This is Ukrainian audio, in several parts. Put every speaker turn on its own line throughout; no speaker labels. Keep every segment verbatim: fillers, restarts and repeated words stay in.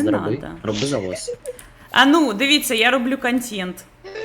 зроби.
надо.
Роби завоз.
А ну, дивіться, я роблю контент.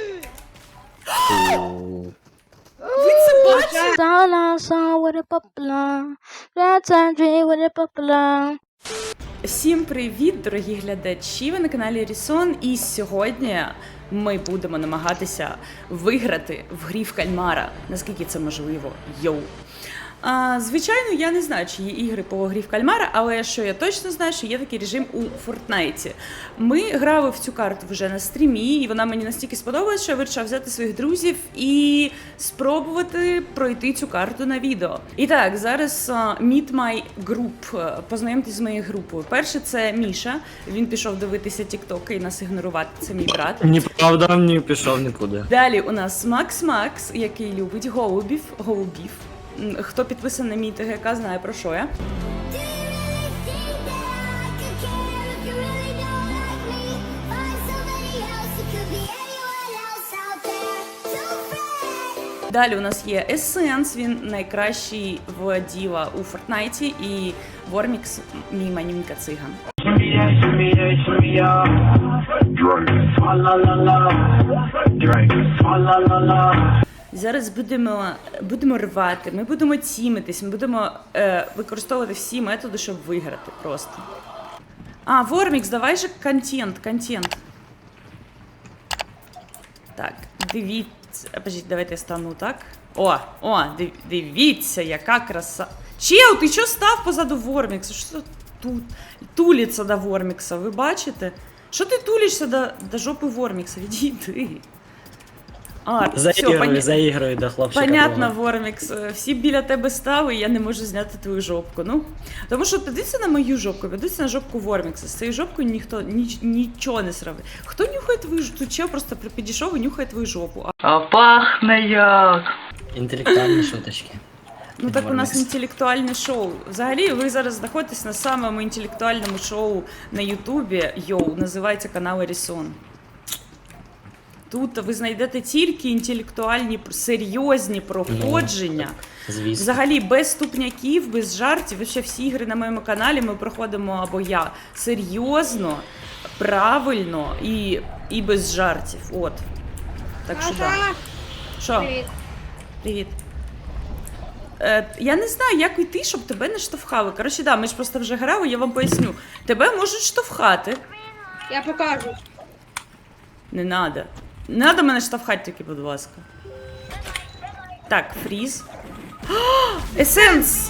Фу.
Ви це бачите?
Sala saw with a popular, that's Andre with a popular.
Всім привіт, дорогі глядачі! Ви на каналі Рісон, і сьогодні ми будемо намагатися виграти в грі в кальмара. Наскільки це можливо? Йоу! А, звичайно, я не знаю, чи є ігри по грі в кальмара, але що я точно знаю, що є такий режим у Фортнайті. Ми грали в цю карту вже на стрімі, і вона мені настільки сподобалась, що я вирішила взяти своїх друзів і спробувати пройти цю карту на відео. І так, зараз uh, meet my group, познайомтесь з моєю групою. Перше це Міша, він пішов дивитися тіктоки і нас ігнорувати, це мій брат.
Неправда, не пішов нікуди.
Далі у нас Макс Макс, який любить голубів, голубів. Хто підписаний на мій ТГК, знає про що я. Далі у нас є Есенс, він найкращий в діла у Фортнайті, і Вормікс, мій манюнька циган. Зараз будемо, будемо рвати, ми будемо тімитись, ми будемо е, використовувати всі методи, щоб виграти просто. А, Вормікс, давай же контент, контент. Так, дивіться, подождіть, давайте я стану так. О, о, дивіться, яка краса. Чел, ти що став позаду Вормікса? Що тут тулиться до Вормікса, ви бачите? Що ти тулишся до, до жопи Вормікса? Відійди. А,
Заігруй,
поня...
заігруй до хлопчика.
Понятно,
твого.
Вормікс. Всі біля тебе стали, і я не можу зняти твою жопку. Ну, тому що дивіться на мою жопку, дивіться на жопку Вормікса. З цією жопкою ніхто ніч, нічого не сравнить. Хто нюхає твою жопу? Тут чел просто підійшов і нюхає твою жопу.
А пахне як.
Інтелектуальні шуточки.
Ну так у нас інтелектуальне шоу. Взагалі, ви зараз знаходитесь на самому інтелектуальному шоу на Ютубі. Йоу, називається канал Рісон. Тут ви знайдете тільки інтелектуальні, серйозні проходження.
Ну, звісно.
Взагалі, без ступняків, без жартів. І ще всі ігри на моєму каналі ми проходимо, або я, серйозно, правильно і, і без жартів. От. Так що да. Що?
Привіт.
Привіт. Е, я не знаю, як йти, щоб тебе не штовхали. Коротше, да, ми ж просто вже грали, я вам поясню. Тебе можуть штовхати.
Я покажу.
Не надо. Не надо мене штовхати тільки, будь ласка. Так, фріз. Есенс!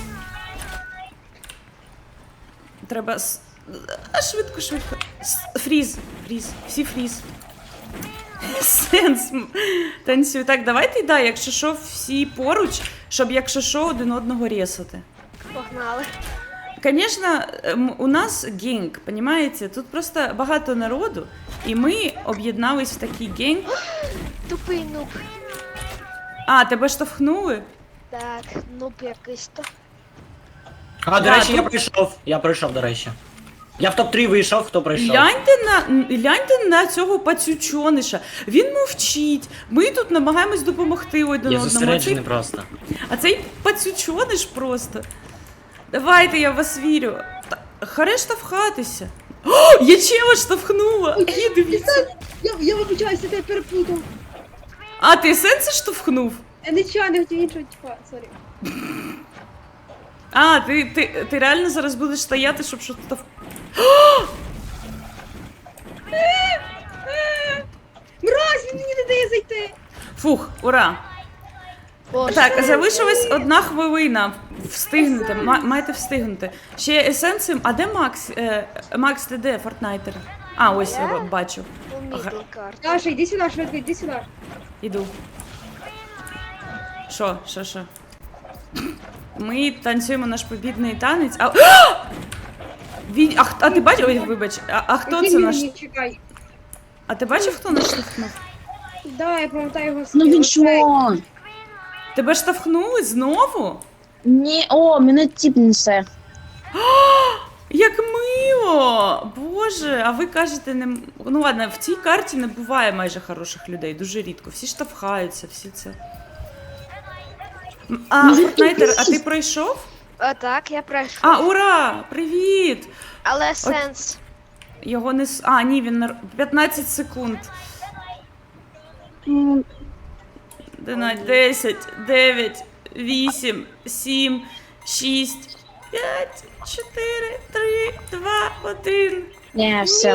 Треба... с- А, швидко, швидко. С- Фріз, фріз, всі фріз. Есенс. Танцюй. Так, давайте, да, якщо що, всі поруч, щоб, якщо що, один одного ресати.
Погнали.
Конечно, ем, у нас генг, понимаете? Тут просто багато народу, і ми об'єднались в такий генг.
Тупий нуб.
А, тебе штовхнули?
Так, нуб якийсь то.
А, до
Да,
речі, я
тут-
прийшов. Я прийшов, до речі. Я в топ три вийшов, хто прийшов.
Гляньте на, гляньте на цього пацючониша. Він мовчить. Ми тут намагаємось допомогти один
Я
одному. А
зосереджений
цей,
просто.
а цей пацючониш просто. Давайте, я в вас вірю. Та, харе штовхатися. О, я чела штовхнула. Ні, дивіться.
Я, я вибачаюся, я переплутав.
А, ти сенси штовхнув?
Я нічого не хотів іншого, типа, сорі.
А, ти, ти, ти реально зараз будеш стояти, щоб щось штовх...
Мразь, він мені не дає зайти.
Фух, ура.
Боже.
Так, залишилась одна хвилина. Встигнете, ма- маєте встигнути. Ще есенцем. А де Макс? Е, Макс, ти де, Фортнайтер? А, ось я бачу.
У мідлі карта.
Даша, йди сюди, швидко, йди сюди.
Іду. Що, що, що? Ми танцюємо наш побідний танець. А, Він, а, х- а ти бачив? Ой, вибач. А, а хто
Який
це
він
наш?
мені? Чекай.
А ти бачив, хто нас штовхнув?
Да, я пам'ятаю його
Ну він
скіл.
що?
Тебе штовхнули знову?
Ні, о, мене тіп несе.
Як мило! Боже, а ви кажете, не... м- Ну ладно, в цій карті не буває майже хороших людей, дуже рідко. Всі штовхаються, всі це. М, А,
Ну,
Фортнайтер, а ти
привіт.
пройшов?
А, так, я пройшов.
А, ура! Привіт!
Але сенс.
Його не... с- А, ні, він... на- п'ятнадцять секунд. одинадцять, десять, дев'ять, вісім, сім, шість, п'ять, чотири, три, два, один.
Не, все.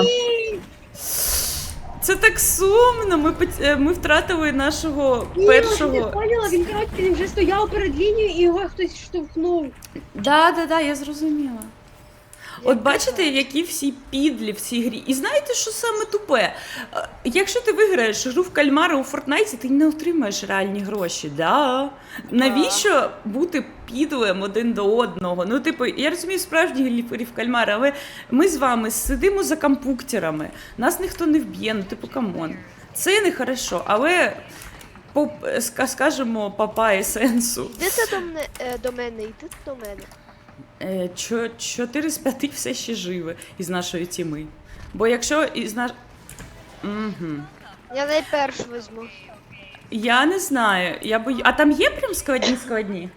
Це так сумно. Ми, пот- е, ми втратили нашого
Ні, ти
першого.
поняла, він, коротше, він вже стояв перед лінією і його хтось штовхнув.
Да, да, да, я зрозуміла. От бачите, які всі підлі в цій грі. І знаєте, що саме тупе? Е, Якщо ти виграєш гру в кальмари у Фортнайті, ти не отримаєш реальні гроші. Да? Навіщо бути підлим один до одного? Ну, типу, я розумію справжні грі в кальмари, але ми з вами сидимо за компуктерами, нас ніхто не вб'є, ну типу, камон. Це не хорошо, але по, ска- скажемо, папа есенсу.
Йдете до мене, е, до мене, йдете до мене.
Е, чо- Чотири з п'яти все ще живе із нашої тіми. Бо якщо із наш. Угу.
Я найперш візьму.
Я не знаю. Я бою... А там є прям складні складні?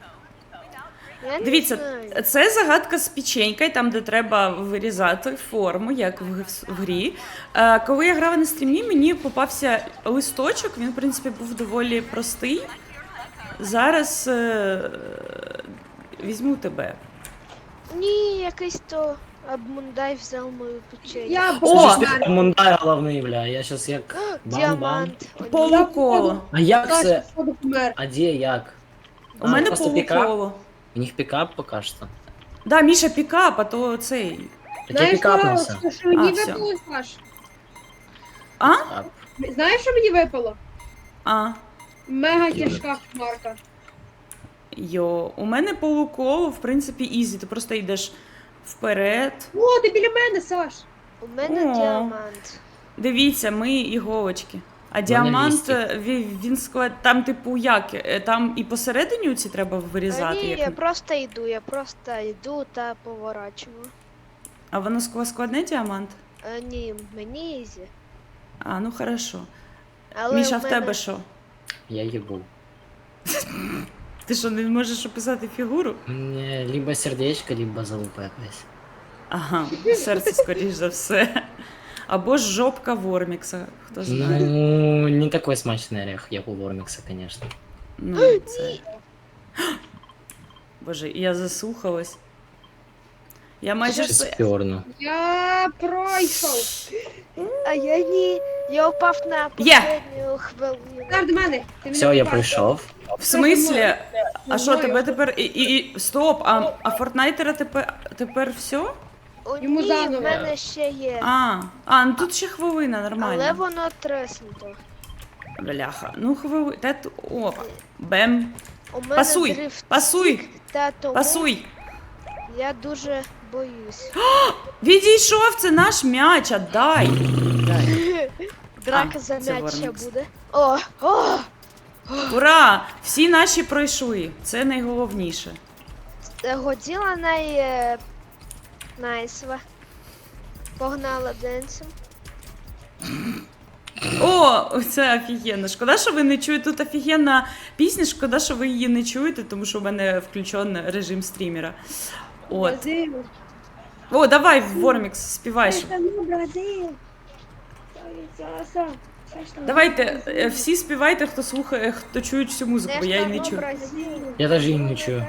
Я не
Дивіться,
знаю.
це загадка з печенькою, там, де треба вирізати форму, як в, г- в грі. Е, коли я грала на стрімі, мені попався листочок, він, в принципі, був доволі простий. Зараз е... візьму тебе.
Ні, якийсь то Абмундай взяв мою печень.
Я
О!
бачу,
Слушай, Мундай головний, бля, я щас як... Бам-бам.
Діамант. О, ні.
Полуколо.
А як це?
Саша, походу, помер.
А де, як?
У мене
просто пікап?
полуколо.
У них пікап поки що.
Да, Міша пікап, а то цей.
Так я
Знаєш,
пікапнувся.
що, що мені
А, всьо.
випало, Саш?
А?
Пікап.
Знаєш, що мені випало?
А.
Мега тяжка хмарка.
Йо, у мене полуколо, в принципі, ізі. Ти просто йдеш вперед.
О, ти біля мене, Саш.
У мене
О.
діамант.
Дивіться, ми іголочки. А
мене
діамант,
лістик.
е, він, він склад. Там, типу, як? Е, Там і посередині ці треба
А
вирізати.
ні,
Як...
я просто йду, я просто йду та поворачую.
А воно ск- складне діамант?
А, ні, мені ізі.
А, ну хорошо.
Але
Міша,
у
в
мене...
тебе що?
Я їбу.
Ти що, не можеш описати фігуру?
Мені либо сердечко, либо залупа якась.
Ага, серце, скоріш за все. Або ж жопка Вормікса, хто знає.
Ну, не такой смачний орех, як у Вормікса, конечно.
Ну, це... Боже, я заслухалась. Я майже
Щас
все.
спірну.
Я пройшов.
А я ні. Я впав на
Є.
попередню хвилину.
Стар до мене. Ти мене
Все, я
попав.
пройшов.
В смислі? А що,
Мною.
тебе тепер. І, і, і... Стоп! А, а Фортнайтера тепер тепер все?
О,
Йому
ні,
заново.
в мене ще є.
А, а, ну тут ще хвилина, нормально.
Але воно треснуто.
Бляха. Ну, хвилина. Та ту- О, бем.
У мене
Пасуй,
дрифт
пасуй,
та тому
пасуй.
я дуже боюсь.
Відійшов, це наш м'яч, отдай. Дай.
Драка
А,
за
це
м'яч ще
Вормікс.
буде. О, о!
Ура! Всі наші пройшли. Це найголовніше.
Е, Годіла най... е, найсва. Погнала денсом.
О, це офігенно. Шкода, що ви не чуєте. Тут офігенна пісня, шкода, що ви її не чуєте, тому що в мене включений режим стрімера. От.
Бразил.
О, давай, Вормікс, співай. щоб-
Ну, Бразил. Саша.
Давайте, е, всі співайте, хто слухає, хто чує цю музику, бо я її не чую.
Я даже її не чую.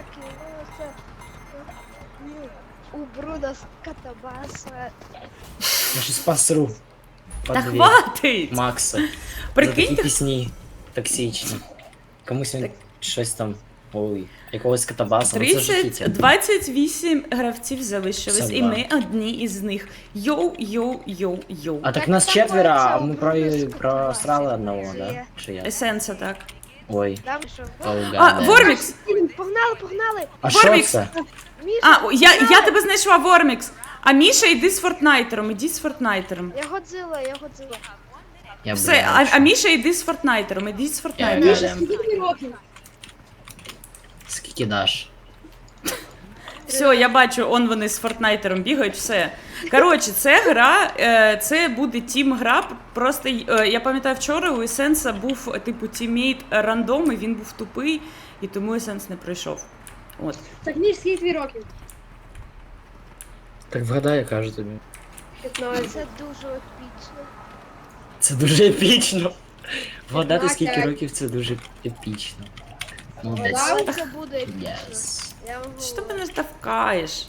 У Бруда Катабаса.
Я щось посру. По
Та
дві.
хватить!
Макса. За
Прикиньте,
такі пісні токсичні. Комусь він щось там. Ой, якогось катабаса. Ну, це ж
тридцять,
жахіття.
двадцять вісім гравців залишились,
Це
і
да.
ми одні із них. Йоу, йоу, йоу, йоу.
А так
Так
нас
там
четверо, а
мається
ми
обрудок
про... просрали
з
одного,
Катабаси.
да? Чи я?
Есенса, так.
Ой,
Там що?
А,
поугадали.
Вормікс!
Погнали, погнали!
А що
Вормікс!
це?
Міша,
А, о, я, я
погнали!
тебе знайшла, Вормікс! А Міша, йди з Фортнайтером, іди з Фортнайтером.
Я Годзила, я Годзила.
Я
Все, а, а Міша, йди з Фортнайтером, іди з
Міша,
Фортнайтером.
скільки тобі років?
Скільки даш?
Все, я бачу, он вони з Фортнайтером бігають, все. Коротше, це гра, е, це буде тім-гра, просто, е, я пам'ятаю, вчора у Есенса був, типу, тіммейт рандом, і він був тупий, і тому Есенс не пройшов. От.
Так, Міш, скільки тобі років?
Так вгадай, я кажу тобі.
п'ятнадцять.
Це дуже епічно.
Це дуже епічно. Вгадати скільки
п'ятнадцять.
років це дуже епічно. Молодець.
Вгадав?
Але це буде епічно.
Yes.
Я вам
Що ти
говорю.
мене штовхаєш?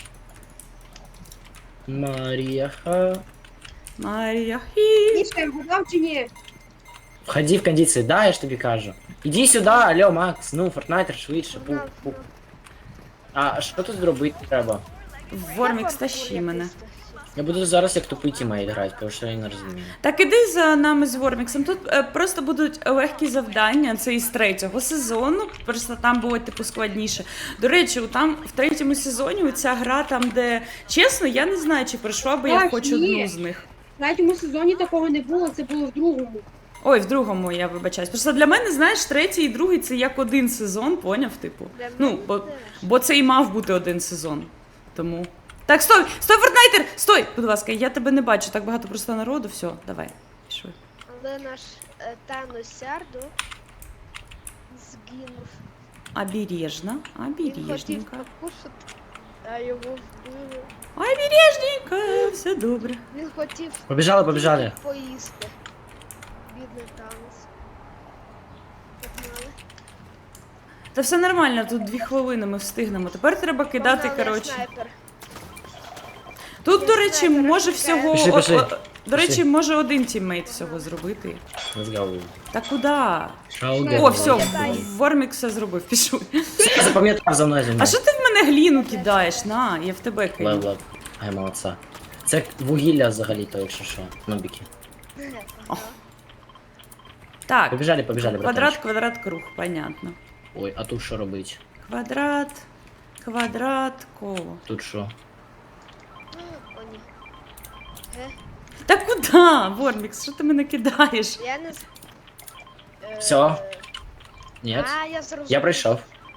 Марія ха.
Марія хі.
Міша, я вгадав чи ні?
Входи в кондиції, да, я ж тобі кажу. Іди сюди, алло, Макс, ну, Фортнайтер швидше, пук,
Погнав,
пук.
погнав.
А що тут зробити треба?
Вормікс,
Та
тащи
паркур
мене.
якийсь тащи.
Я буду зараз як тупий тімейт грати, тому що я не розумію.
Так іди за нами з Ворміксом. Тут е, просто будуть легкі завдання. Це із третього сезону. Просто там було типу складніше. До речі, там в третьому сезоні ця гра, там, де чесно, я не знаю, чи пройшла би я
Так,
хоч
ні.
одну з них.
В третьому сезоні такого не було, це було в другому.
Ой, в другому я вибачаюсь. Просто для мене, знаєш, третій і другий це як один сезон, поняв, типу.
Для
Ну,
мене
бо,
теж.
бо це і мав бути один сезон. Тому. Так, стой! Стой, Фортнайтер! Стой! Будь ласка, я тебе не бачу, так багато просто народу. Все, давай. Пішли.
Але наш е, Танос Сярдо згинув.
Обережно,
Він хотів
обережненько.
покушати, а його вбили.
Обережненько, все добре.
Він хотів
Побіжали, побіжали.
тільки поїсти. Бідний Танос. Погнали.
Та все нормально, тут дві хвилини ми встигнемо. Тепер треба кидати,
Погнали, я
коротше.
снайпер.
Тут,
Я
до речі,
снайпер,
може
чекаю.
всього.
Пішли,
о-
пішли.
о- До речі,
Пішли.
може один тіммейт всього зробити.
Let's go.
Та куди?
Шаугер.
О, все,
Кидай.
Вормік все зробив, пішов.
Я запам'ятав за мною зі
А
мною.
що ти в мене гліну кидаєш? На, я в тебе кину.
Лев-лев. Ай, молодця. Це вугілля взагалі-то, якщо що. Нобіки.
О. Так,
Побіжали, побіжали,
квадрат,
братанчик.
квадрат, круг, понятно.
Ой, а тут що робить?
Квадрат, квадрат, коло.
Тут що?
О, ні. Ге?
Та куди, Вормікс, що ти мене кидаєш?
Я не з... Е,
Всьо? Ні?
А, я зрозумів.
Я прийшов.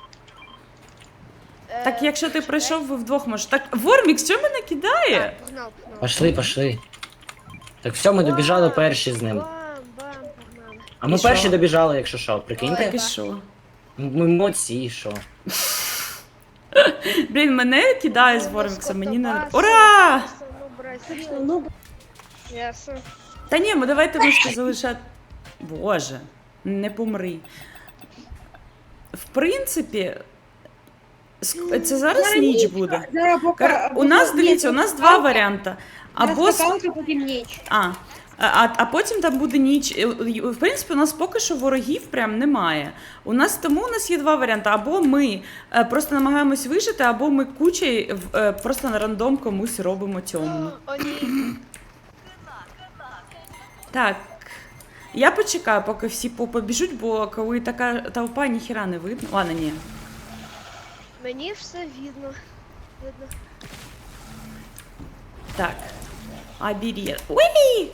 Е,
Так якщо ти
що?
прийшов, ви вдвох можеш. Так, Вормікс, що мене кидає?
Так, погнав, погнав.
Пошли, пошли. Так все, ми добіжали перші з ним.
Бам, бам, погнали.
А ми
І що?
перші добіжали, якщо що,
Ой.
прикиньте?
Так і що?
Ми молодці, і що?
Блін, мене кидає з
Ну,
Ворміксом, мені не.
скотобаси,
Ура!
ну, бразиль.
Точно, ну,
Ясно.
Та ні, ми давайте мишки залишати. Боже, не помри. В принципі, ск- це зараз ніч буде.
Зараз поки...
Кар- У нас, дивіться, у нас два варіанти. Або
Або
с-
скакалка, потім ніч.
А, а, а потім там буде ніч. І, і, В принципі, у нас поки що ворогів прям немає. У нас тому у нас є два варіанти. Або ми е, просто намагаємось вижити, або ми кучей е, просто на рандом комусь робимо темну.
О, ні.
Так. Я почекаю, поки всі по- побіжуть, бо коли така толпа, ніхіра не видно. Ладно, ні.
Мені все видно. Видно.
Так. Обережно. Уи!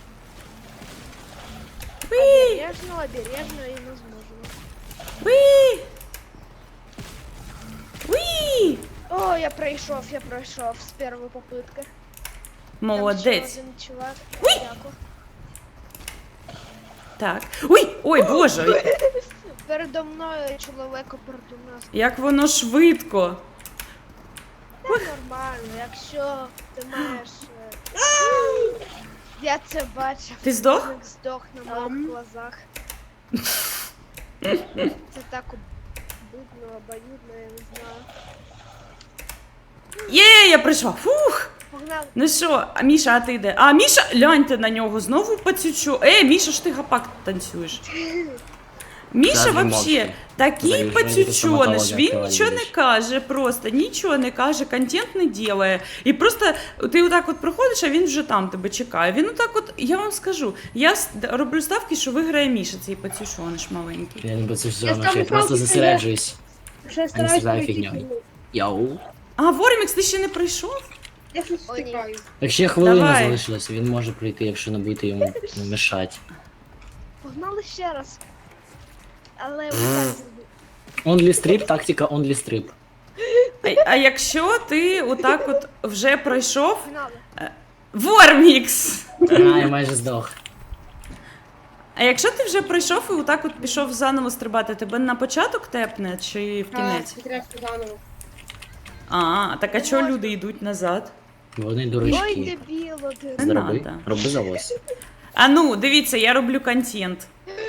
Уи!
Обережно, обережно і не зможемо.
Уи! Уи!
О, я пройшов, я пройшов з першої попитки.
Молодець.
Там ще один чувак. Дякую.
Так. Уй! Ой, боже!
Передо мною чоловік передо нас.
Як воно швидко.
Це нормально, якщо ти маєш. е, Я це бачив.
Ти здох?
Чоловік здох на моїх
Ам.
глазах. Це так обидно, обоюдно, я не знаю.
Є, я прийшла. Фух!
Погнали.
Ну що, а Міша, а ти де? А, Міша, гляньте на нього, знову пацючу. Е, Міша, ж ти гапак танцюєш. Міша
Завжди
вообще
мовчки.
такий
Завжди
пацючоніш,
стоматолога
він
відкриває,
нічого не
видиш.
каже, просто нічого не каже, контент не ділає. І просто ти отак от проходиш, а він вже там тебе чекає. Він отак от, я вам скажу, я с- роблю ставки, що виграє Міша, цей пацючоніш маленький.
Я не буду це все
Я
одно, я
ставлю
просто
палки,
зосереджуюсь.
Ще я
страдаю
стараюсь
фігньою.
пройти.
Йоу.
А, Вормікс, ти ще не прийшов?
Я щось
О, ні.
втикаю.
Так ще хвилина
Давай.
залишилась, він може прийти, якщо не будете йому ну, мешати.
Погнали ще раз. Але отак зроби.
Only strip, тактика only strip.
А, а якщо ти отак от вже пройшов,
Погнали.
Вормікс!
А, я майже здох.
А якщо ти вже пройшов і отак от пішов заново стрибати, тебе на початок тепне чи в кінець?
А, треба заново.
А, так а чого люди йдуть назад?
Вони
Ой,
дурачки.
дебіло, ти.
Не
Зроби,
надо.
роби завоз.
А ну, дивіться, я роблю контент.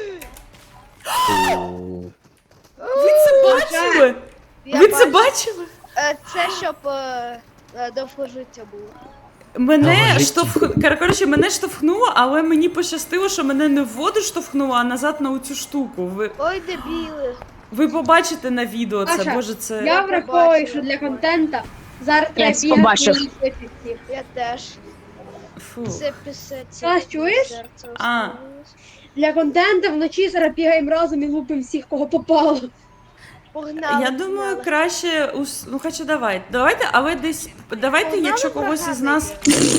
Фу.
Ви це бачили?
Я
Ви це
бачу.
бачили?
Е, Це щоб е, е, довгожиття було.
Мене
Довгожиття.
штовх... Коротше, мене штовхнуло, але мені пощастило, що мене не в воду штовхнуло, а назад на оцю штуку. Ви,
Ой, дебіли.
ви побачите на відео це,
Саша,
боже, це...
Я враховую, що для контента зараз треба
Я побачив.
бігати і ліпити всіх.
Я теж.
Фу.
Це писець.
Саш, чуєш?
Серце
А.
остановилось.
Для контента вночі зараз бігаємо разом і лупимо всіх, кого попало.
Погнали.
Я думаю,
погнали.
краще, ус- ну хоча давайте, давайте, але десь, давайте,
Погнали
якщо когось із нас...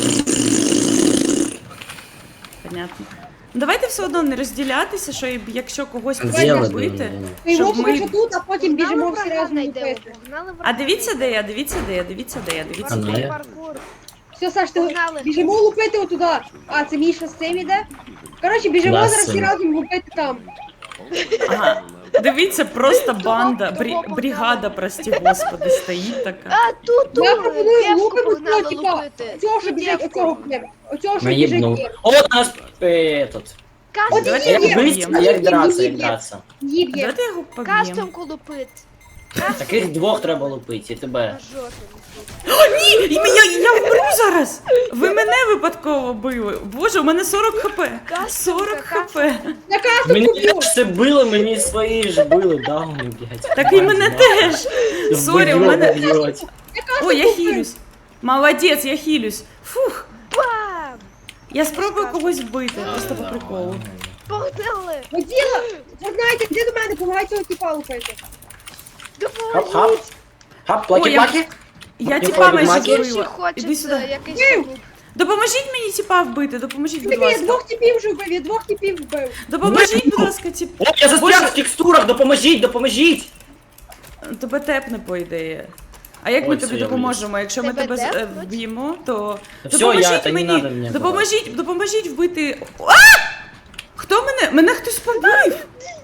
Понятно. Ну, давайте все одно не розділятися, що і- якщо когось потрібно
Зробили,
бити.
ну,
Ми
Щоб
лупимо
ми-
що тут, а потім
Погнали
біжимо всі
врага
разом
знайдемо,
лупити.
погнали
А
врага
дивіться, де
знайдемо.
я, дивіться, де я, дивіться, де я, дивіться.
А ну,
Паркур,
я-
паркур.
Все, Саш, ти
Погнали.
біжимо лупити отуда. А, це Міша з цим іде? Коротше, біжимо
Да,
зараз
з
всі
цим.
разом лупити там.
Ага. Дивіться, просто
Того-
банда,
того
брі,
погнали.
бригада, прості господи, стоїть така.
А, тут,
Я
тут,
пропоную
дівку
лупимо
погнали
цього, типа,
лупити.
цього, що
Тут
біжить,
дівку.
оцього клем. Оцього, що
Наїбнув.
біжить.
О, у нас этот.
Кастом,
Давайте
Як
його
биться,
поб'ємо.
як драться, як
Їб'є.
драться.
Їб є.
Давайте його поб'ємо.
кастомку лупить.
Таких двох треба лупити, і тебе.
На жопі.
Ні, і я, я вмру зараз! Ви мене випадково били. Боже, у мене сорок хп. сорок хп.
На касту
Мені
куплю.
теж це били, мені свої ж били, дауни, блядь.
Так і мене теж. Сорі, у
Вб'ють,
мене...
вб'ють.
О, я хілюсь. Молодець, я хілюсь. Фух.
Бам!
Я спробую когось вбити, просто по приколу.
Погнали!
Воділа, ви знаєте, де до мене, помагай цього типа лупити.
Хап, хап. Хап,
О, я,
плакі-плакі.
я
Ні,
тіпа
ходить
майже
магія.
Інші
вбила.
хочуть
Іди сюди.
якийсь
Бив!
клуб.
Допоможіть мені тіпа вбити, допоможіть, будь
Тобі я
ласка.
двох типів вже вбив, я двох типів вбив.
Допоможіть, будь ласка, тіп.
О, я застряг
Боже.
в текстурах, допоможіть, допоможіть.
Тебе тепне, по ідеї. А як ми
Ой,
тобі
все, я
допоможемо? Якщо ми
Тебе
тебе з- е,
тепнуть?
вб'ємо, то
Та всё,
допоможіть
я- та не
мені.
надо мені
допоможіть, допоможіть вбити. А! Хто мене? Мене хтось побив.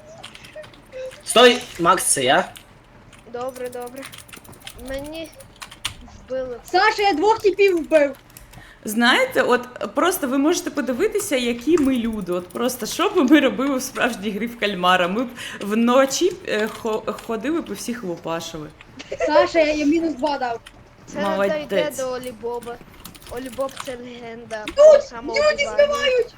Стой, Макс, це я.
Добре, добре. Мені вбили.
Саша, я двох типів вбив.
Знаєте, от просто ви можете подивитися, які ми люди. От просто що б ми робили в справжній грі в кальмара. Ми б вночі е, хо- ходили б і всіх лупашили.
Саша, я, я мінус два дав.
Це не
Молодець.
дойде до Олібоба. Олібоб це легенда.
Люди
Люди
збивають!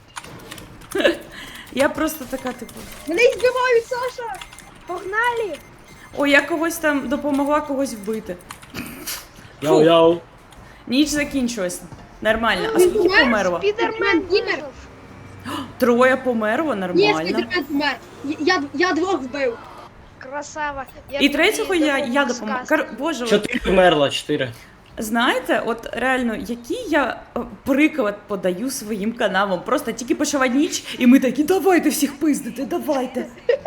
Я просто така, типу.
Мене й збивають, Саша!
Погнали!
Ой, я когось там допомогла когось вбити.
Йоу-йоу.
Ніч закінчилась. Нормально. А
Він
скільки
помер?
померло?
Підермен
Дімер.
вижив.
Троє померло,
Ні,
нормально.
спідермен помер. Я, я, я двох вбив.
Красава. Я
І
тобі
третього я, я
допоможу з
допомогла.
кастом.
Кар... Боже, от,
Чотири вмерло, чотири.
знаєте, от реально, який я е, приклад подаю своїм каналам. Просто тільки почала ніч, і ми такі, давайте всіх пиздити, давайте.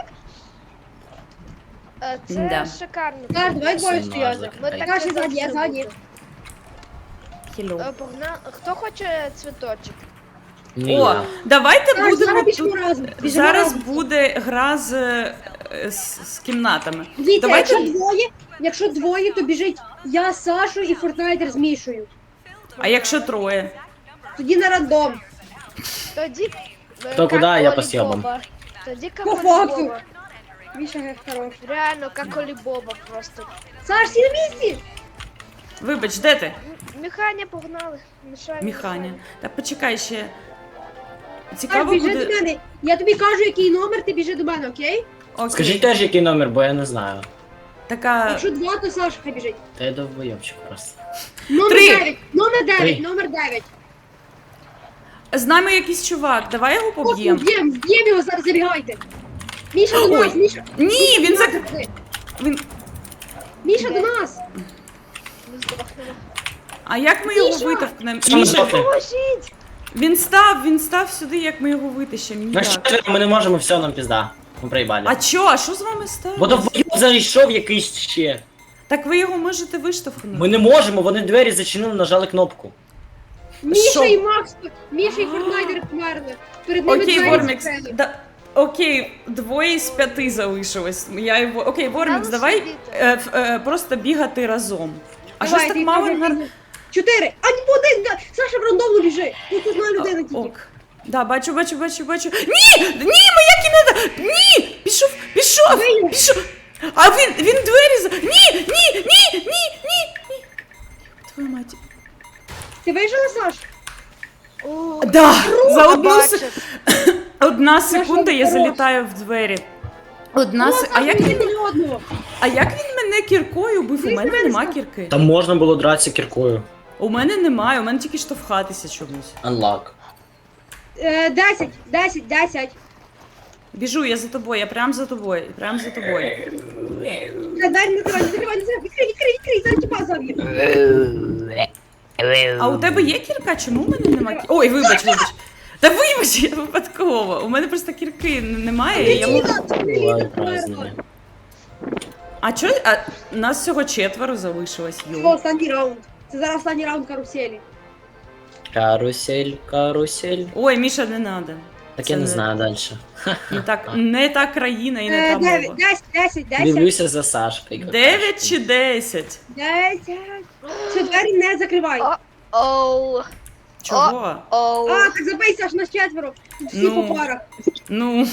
Е, Це
Да.
шикарно.
Саш, давай двоє
Персонажик.
стояти.
Ми так
Саша,
не
ззаді, я
завжди
ззаді.
буде.
Хіло.
Е, Погна... Хто хоче цвіточок?
Ні,
О,
я.
давайте
Саш,
будемо
зараз біжимо
тут.
разом. Біжимо
Зараз
разом.
буде гра з, е, з, з кімнатами.
Дивіться,
Давайте-
якщо двоє, якщо двоє, то біжить я, Сашу і Фортнайтер з Мішою.
А якщо троє?
Тоді на рандом.
Тоді... е,
Хто
как
куди, я
у
по съебам.
Олібоба. Тоді как
По
у
факту.
Олібоба.
Міша ге, хорош.
Реально, как Олібоба просто.
Саш, всі на місці!
Вибач, де ти?
М- Міханя погнали. Мішаня.
Міханя. Та почекай ще.
Саш,
Цікаво
біжи
буде.
до мене. Я тобі кажу, який номер, ти біжи до мене, окей?
Окей.
Скажіть теж, який номер, бо я не знаю.
Така.
Якщо два, то Саша хай біжить.
Та я довбойовчик просто.
Номер
Три.
дев'ять, номер дев'ять,
Три.
номер дев'ять.
З нами якийсь чувак, давай його поб'ємо.
Поб'єм, вб'єм його, зараз забігайте. Міша до
Ой.
нас, Міша.
Ні, він зак...
Міша,
Він...
Міша до нас.
Ми здохнемо.
А як ми його
Міша!
витовкнемо?
Саме
Міша,
здохне.
Поможіть!
він став, він став сюди, як ми його витащимо.
На
Ніяк.
четверо ми не можемо, все, нам пізда. Ми проїбали.
А чо? А що з вами
Бо
стало?
довбойов зайшов якийсь ще.
Так ви його можете виштовхнути.
Ми не можемо, вони двері зачинили, нажали кнопку.
Міша
Що?
і Макс, Міша і Фортнайтер померли. Перед ними
Окей,
двері
Вормікс.
закрили.
Да... Окей, двоє з п'яти залишилось. Я його... Окей, Вормікс,
Там
давай
сидіти.
е, ф- е, просто бігати разом. А
Давай,
щось
ти
так мало
кажи,
нар...
ти- чотири. А не один, да. Саша в рандомну біжи. Тут одна людина тільки.
Ок. Да, бачу, бачу, бачу, бачу. Ні! Ні, моя кімната! Ні! Пішов, пішов, пішов. А він, він двері за... Ні, ні, ні, ні, ні, ні. Твою мать.
Ти вижила, Саш?
О,
Да, за одну
бачив.
с... Одна секунда я
хорош.
залітаю в двері. Одна
О,
се... А
Саша,
як
він
він,
мене одного.
а як він мене кіркою бив? У
Він
мене
мене
нема
сказав.
кірки.
Там можна було дратися кіркою.
У мене немає, у мене тільки штовхатися чомусь.
Unlock.
Е, Десять, десять, десять.
Біжу, я за тобою, я прям за тобою, прям за тобою.
Е, Дай не закривай, не закривай, не закривай. Відкрий, відкрий, відкрий, зараз тіпа заб'є.
А у тебе є кірка? Чому у мене нема кірки? Ой, вибач, вибач. Та вибач, я випадково. У мене просто кірки н- немає. і Я... можу-
Буває празднення.
А чо? А нас всього четверо залишилось,
Це
йо.
останній раунд. Це зараз останній раунд каруселі.
Карусель, карусель.
Ой, Міша, не надо.
Так
Це
я не
не-
знаю далі.
Не так, не та країна і не
Е,
та
дев'ять,
мова.
десять, десять, десять.
Дивлюся за Сашкою.
Дев'ять чи десять?
Десять. Все, двері не закривай.
О. Оу,
Чого?
оу.
А, так забий, Саш, нас четверо. Тут всі
Ну.
по парах.
Ну,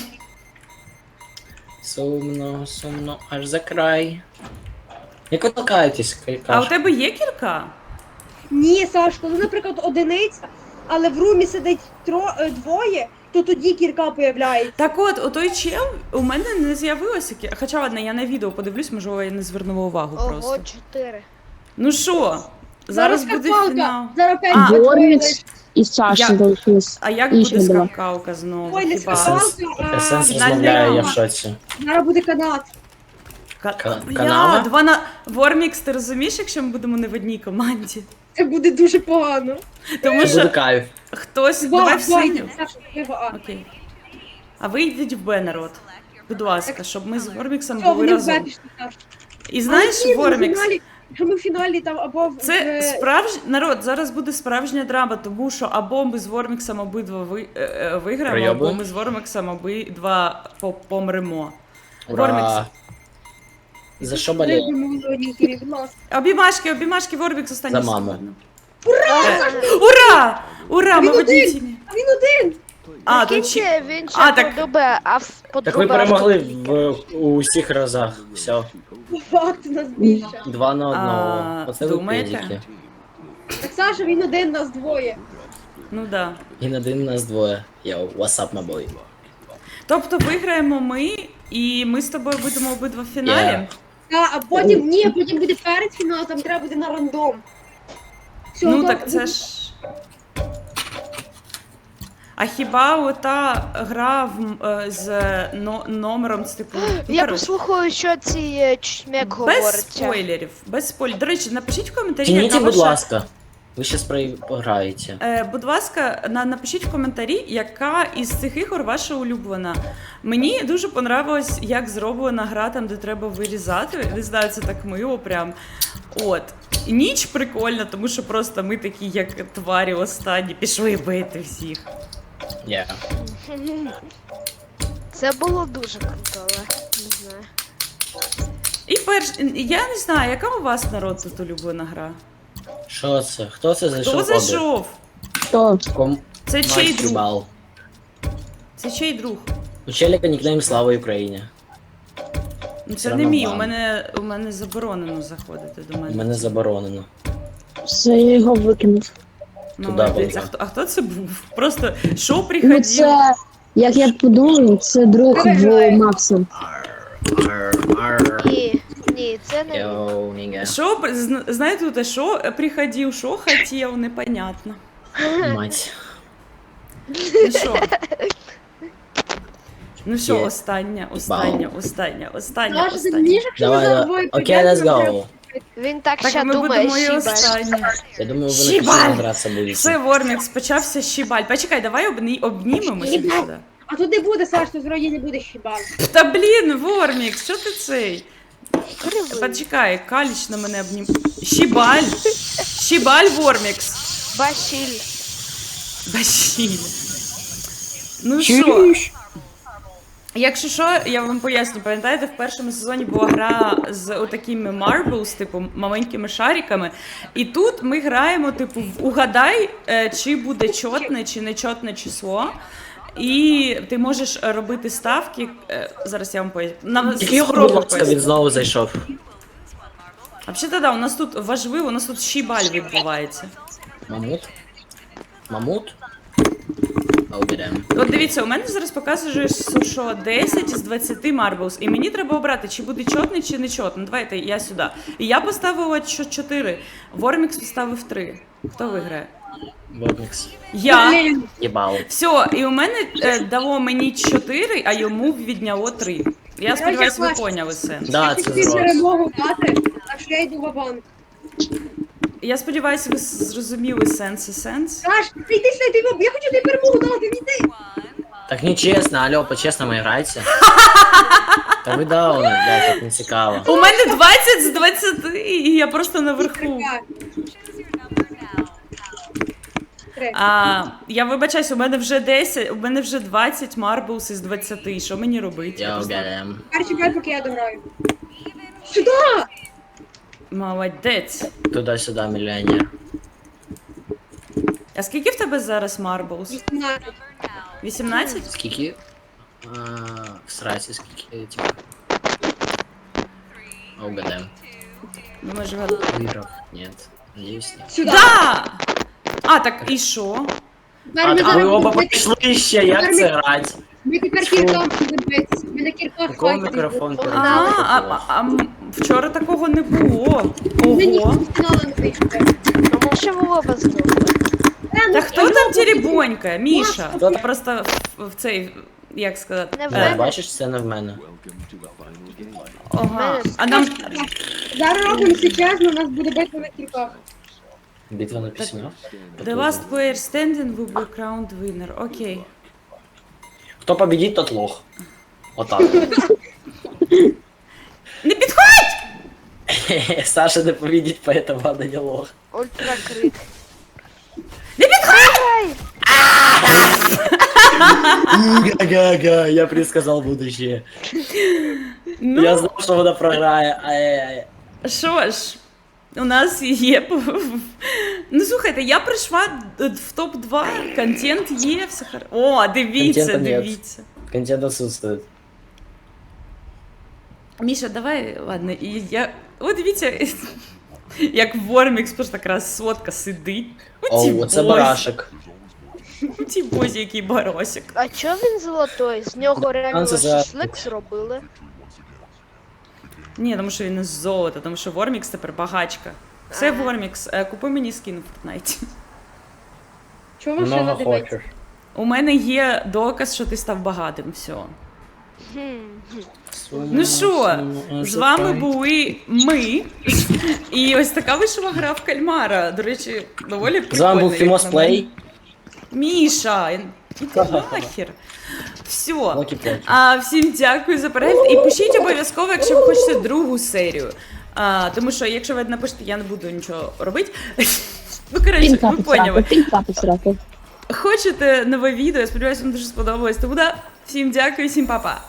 Сумно, сумно, аж за край. Як ви толкаєтесь,
а у
кажеш?
тебе є кірка?
Ні, Саш, коли, наприклад, одиниця, але в румі сидить тро, е, двоє, то тоді кірка появляється.
Так от, у той чел у мене не з'явилося кірка. Хоча ладно, я на відео подивлюсь, можливо, я не звернула увагу
Ого,
просто.
чотири.
Ну що, зараз буде
скакалка.
фінал.
Зараз п'ять.
А,
Вормікс і Саша
Я-
залишились.
А як
І
буде
ще була.
скакалка знову?
Ой, не
Хіба?
скакалка.
Сенс,
а,
сенс
фінальний
розмовляє, я в
раунд.
шоці.
Зараз буде канат.
Ка-
Ка-
Бля,
канала?
два на... Вормікс, ти розумієш, якщо ми будемо не в одній команді?
Це буде дуже погано.
Тому
Це буде
що
кайф.
хтось...
Два,
Давай в
два,
синю.
Саша, треба А.
Окей. А ви йдіть в Б, народ. Будь ласка, щоб ми з Ворміксом
Все,
були
вони в Б
разом.
пішли, Саш.
І знаєш,
Але ні, ми в
Вормікс,
фіналі- Якщо ми в фіналі там або в...
це
в-
справж... народ, зараз буде справжня драма, тому що або ми з Ворміксом обидва ви... е, е, виграємо, або
Пройобуємо.
ми з Ворміксом обидва по- помремо.
Ура.
Вормікс.
За що
Ми
боліє?
будемо в одній кірі, будь ласка.
Обіймашки, обіймашки, Вормікс останній.
За маму.
секунду. Е, Ура! Ура, ми
Він
в одній
один!
тімі.
А він один!
А,
А,
тут ще...
він
А,
ще
так-
подобає, а в
Так ви
подобає.
перемогли в у усіх разах. Все.
Факт у нас більше.
Два на одного.
А,
Оце ви
думаєте?
педики.
Так, Саша, він один, нас двоє.
Ну да.
І на один нас двоє. Йоу, what's up, my boy?
Тобто виграємо ми, і ми з тобою будемо обидва в фіналі.
Yeah.
Та, а потім, ні, потім буде перед фінал, там треба буде на рандом. Все,
Ну
то-
так це ж. А хіба ота гра в, е, з но, номером з типу. ну,
Я
коротше,
послухаю, що ці е, чмек
без
говорить.
спойлерів, без спойлерів. До речі, напишіть в коментарі,
Тяніть,
яка
будь
ваша...
ласка. Ви щас програєте.
Е, будь ласка, на, напишіть в коментарі, яка із цих ігор ваша улюблена. Мені дуже понравилось, як зроблена гра там, де треба вирізати. Не знаю, це так мило прям. От. Ніч прикольна, тому що просто ми такі, як тварі останні, пішли бити всіх.
Yeah.
Це було дуже круто, але не знаю.
І перш, я не знаю, яка у вас народ тут улюблена гра?
Що це? Хто це зайшов?
Хто зайшов?
Хто?
Ком...
Це чий друг?
бал.
Це чий друг?
У челіка нікнейм Слава Україні.
Ну, це
Все
не
равно
мій, у
бан.
мене, у мене заборонено заходити до мене.
Мене заборонено.
Все, я його викинув.
Молодець.
Туди
А хто, а хто це був? Просто шоу
Ну
приходив.
це, як я подумав, це друг в Макса.
Ні, ні, це не він.
Йоу, ніга.
Шо, зна- знаєте, те, що приходив, що хотів, непонятно.
Мать.
Ну що? Ну що,
Є.
остання, остання, остання, остання,
Саша, ти
остання.
мені ж, якщо ми
Давай,
зараз
давай.
двоє
Окей, let's
прийдемо,
go.
Він так,
Так
ще
ми
думає,
будемо і
щібаль.
останні.
Я думаю, ви
Щібаль!
на пісні гратися будете.
Все, Вормікс, почався щібаль. Почекай, давай обні... обнімемося
Щібаль.
сюди.
А тут не буде, Саш, тут вроді не буде хіба.
Та блін, Вормікс, що ти цей?
Кривий.
Почекай, Каліч на мене обнім. Щібаль! Щібаль, Вормікс!
Башіль.
Башіль. Ну що, Якщо що, я вам поясню, пам'ятаєте, в першому сезоні була гра з отакими marbles, типу маленькими шариками. І тут ми граємо, типу, в угадай, е, чи буде чотне, чи нечотне число. І ти можеш робити ставки. е, Зараз я вам поясню. Нам
Який його
спробую
було, він
пояснити.
знову зайшов.
А взагалі, да, у нас тут важливо, у нас тут щібаль відбувається.
Мамут? Мамут? А уберемо.
От дивіться, у мене зараз показує, що десять з двадцяти marbles, і мені треба обрати, чи буде чотний, чи не чотний. Давайте я сюди. І я поставила чотири, Вормікс поставив три. Хто виграє?
Бобникс.
Я.
Блін,
Єбало.
Все, і у мене е, дало мені чотири, а йому відняло три. Я сподіваюся, ви поняли сенс.
Да,
я
це
хотів
зрос.
перемогу дати, а що я йду в банк.
Я сподіваюся, ви зрозуміли сенс і сенс.
Саш, ти йди сюди, ти в- я хочу тобі перемогу дати, йди.
Так нечесно, алло, по-чесному грайте. Та ви дауни, блядь, так не цікаво.
У мене двадцять з двадцяти, і я просто наверху.
Три.
А, я вибачаюсь, у мене вже десять, у мене вже двадцять marbles із двадцяти. Що мені робити?
Я
просто-
уберем.
Тепер чекай, поки я дограю. Сюди!
Молодець.
Туди-сюди, мільйонер.
А скільки в тебе зараз marbles?
вісімнадцять.
вісімнадцять?
Скільки? А, в сраці скільки, типа. А угадаем.
Думаєш, вгадав?
Виграв? Нет. Надеюсь, нет.
Сюди.
Да! А, так і що?
Тепер
А,
ми
так ви
зараз
оба
ми,
пішли ще, як це грати?
ми тепер кіркам будемо битися. Ми на кірках
Якого
файтити.
мікрофон
А,
перед?
а, а, а м, вчора такого не було.
Ми ніхто
Ого.
в фінали не вийшли.
Ну, ми ще в оба здохли.
Та хто там теребонька? Міша.
Хто там?
Просто в, в цей, як сказати.
Не в
Да,
мене.
бачиш, це не в мене.
Ага. А нам.
Зараз робимо чесно, у нас буде битва на кірках.
Битва на письмах.
The last player standing will be crowned winner. Окей.
Хто победить, тот лох. Отак.
Не підходь!
Саша не победить, поэтому она не лох.
Ультракрит.
Не підходь!
Га-га-га, я предсказал будущее.
Ну,
Я знал, что вона програє. Ай-яй-яй.
що ж, у нас є. п- Ну слухайте, я прийшла в топ два, контент є, все хар... О, дивіться,
Контента нет.
дивіться.
Контент отсутствует.
Міша, давай, ладно, і я. О, дивіться, як Вормікс просто така красотка сидить.
Оу, оце
бозі.
барашек.
Ті бозі, який баросик.
А чого він золотой? З нього реально
це за-
шашлик зробили.
Ні, тому що він із золота, тому що Вормікс тепер багачка. Все, Вормікс, е, купи мені скін в Фортнайті.
Чого машина
Много
дивиться?
хочеш.
У мене є доказ, що ти став багатим, все.
Хм.
Ну що, з вами були ми. І ось така вийшла гра в кальмара. До речі, доволі прикольна.
З вами був
як
Фімос
на мене.
Плей.
Міша, іди нахер. Все.
Локі-плокі.
А, всім дякую за перегляд. І пишіть обов'язково, якщо ви хочете другу серію. А, тому що, якщо ви напишете, я не буду нічого робити. Ну, коротше,
Пінка
ви поняли.
посрати, пінка посрати.
Хочете нове відео, я сподіваюся, вам дуже сподобалось. Тому да, всім дякую, всім па-па.